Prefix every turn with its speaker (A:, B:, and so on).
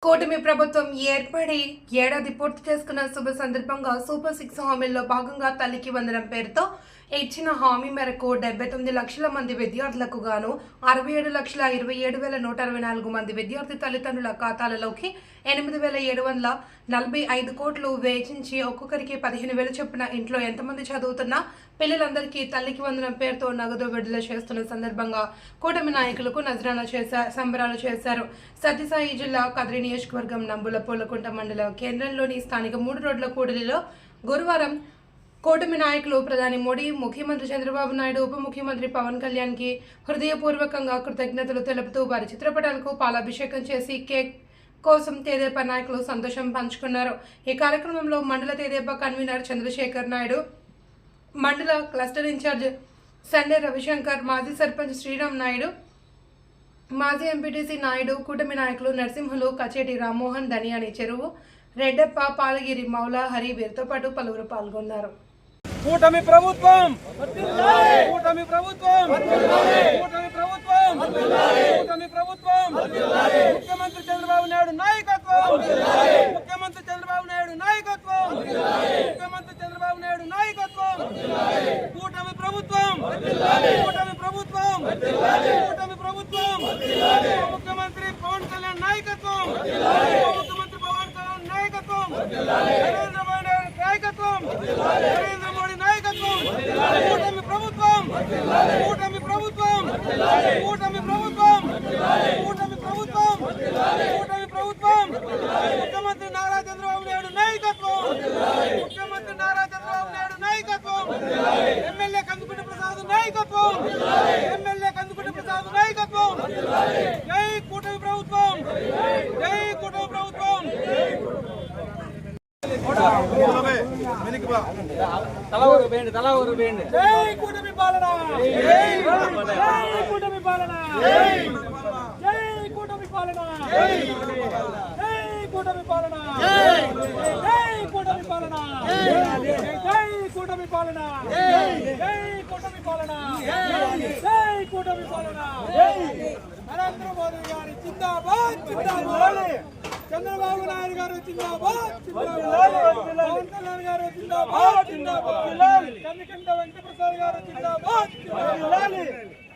A: కూటమి ప్రభుత్వం ఏర్పడి ఏడాది పూర్తి చేసుకున్న శుభ సందర్భంగా సూపర్ 6 హామీల్లో భాగంగా తల్లికి వందనం పేరుతో ఇచ్చిన హామీ మేరకు 79 లక్షల మంది విద్యార్థులకు గాను 67,27,164 మంది విద్యార్థి తల్లిదండ్రుల ఖాతాలలోకి 8,745 కోట్లు వేచించి ఒక్కొక్కరికి 15,000 చొప్పున ఇంట్లో ఎంతమంది చదువుతున్నా పిల్లలందరికీ తల్లికి వందనం పేరుతో నగదు విడుదల చేస్తున్న సందర్భంగా కూటమి నాయకులకు నజరానా సంబరాలు చేశారు. సత్యసాయి జిల్లా కదిరి నియోజకవర్గం నంబుల పూలకుంట మండల కేంద్రంలోని స్థానిక 3 రోడ్ల కూడలిలో గురువారం కూటమి నాయకులు ప్రధాని మోడీ, ముఖ్యమంత్రి చంద్రబాబు నాయుడు, ఉప ముఖ్యమంత్రి పవన్ కళ్యాణ్కి హృదయపూర్వకంగా కృతజ్ఞతలు తెలుపుతూ వారి చిత్రపటాలకు పాలాభిషేకం చేసి కేక్ కోసం తెదేపా నాయకులు సంతోషం పంచుకున్నారు. ఈ కార్యక్రమంలో మండల తెదేపా కన్వీనర్ చంద్రశేఖర్ నాయుడు, మండల క్లస్టర్ ఇన్ఛార్జ్ సండే రవిశంకర్, మాజీ సర్పంచ్ శ్రీరామ్ నాయుడు, మాజీ ఎంపీటీసీ నాయుడు, కూటమి నాయకులు నరసింహులు, కచేటి రామ్మోహన్, దనియాని చెరువు, రెడ్డప్ప, పాలగిరి, మౌలా, హరి వీరితో పాటు పలువురు పాల్గొన్నారు.
B: కూటమి ప్రభుత్వం కూటమి ప్రభుత్వం కూటమి ప్రభుత్వం కూటమి ప్రభుత్వం ముఖ్యమంత్రి చంద్రబాబు నాయుడు నాయకత్వం ముఖ్యమంత్రి చంద్రబాబు నాయుడు నాయకత్వం ముఖ్యమంత్రి చంద్రబాబు నాయుడు నాయకత్వం కూటమి ప్రభుత్వం కూటమి ప్రభుత్వం కూటమి ప్రభుత్వం ముఖ్యమంత్రి పవన్ కళ్యాణ్ నాయకత్వం ముఖ్యమంత్రి పవన్ కళ్యాణ్ నాయకత్వం నరేంద్ర మోడీ నాయకత్వం నరేంద్ర మోడీ నాయకత్వం కూటమి ప్రభుత్వం కూటమి ప్రభుత్వం కూటమి ప్రభుత్వం కూటమి ప్రభుత్వం కూటమి ప్రభుత్వం ముఖ్యమంత్రి నారా చంద్రబాబు నాయుడు నాయకత్వం ముఖ్యమంత్రి నారా చంద్రబాబు నాయుడు నాయకత్వం ఎమ్మెల్యే కందుకుంట ప్రసాద్ నాయకత్వం ఎమ్మెల్యే కందుకుంట ప్రసాద్ నాయకత్వం జై కూటమి ప్రభుత్వం జై కూటమి ప్రభుత్వం తల ఊరు వేయండి జై కూటమి పాలన జై కూటమి పాలన జై కూటమి పాలన జై కూటమి పాలన జై కూటమి పాలన జై కూటమి పాలన జై కూటమి పాలన జై కూటమి పాలన నరేంద్ర మోదీ గారి జిందాబాద్ జిందాబాద్ చంద్రబాబు నాయుడు గారు జిందాబాద్ జిందాబాద్ పవన్ కళ్యాణ్ గారు జిందాబాద్ జిందాబాద్ కన్నికంట వెంకటప్రసాద్ గారు జిందాబాద్ జిందాబాద్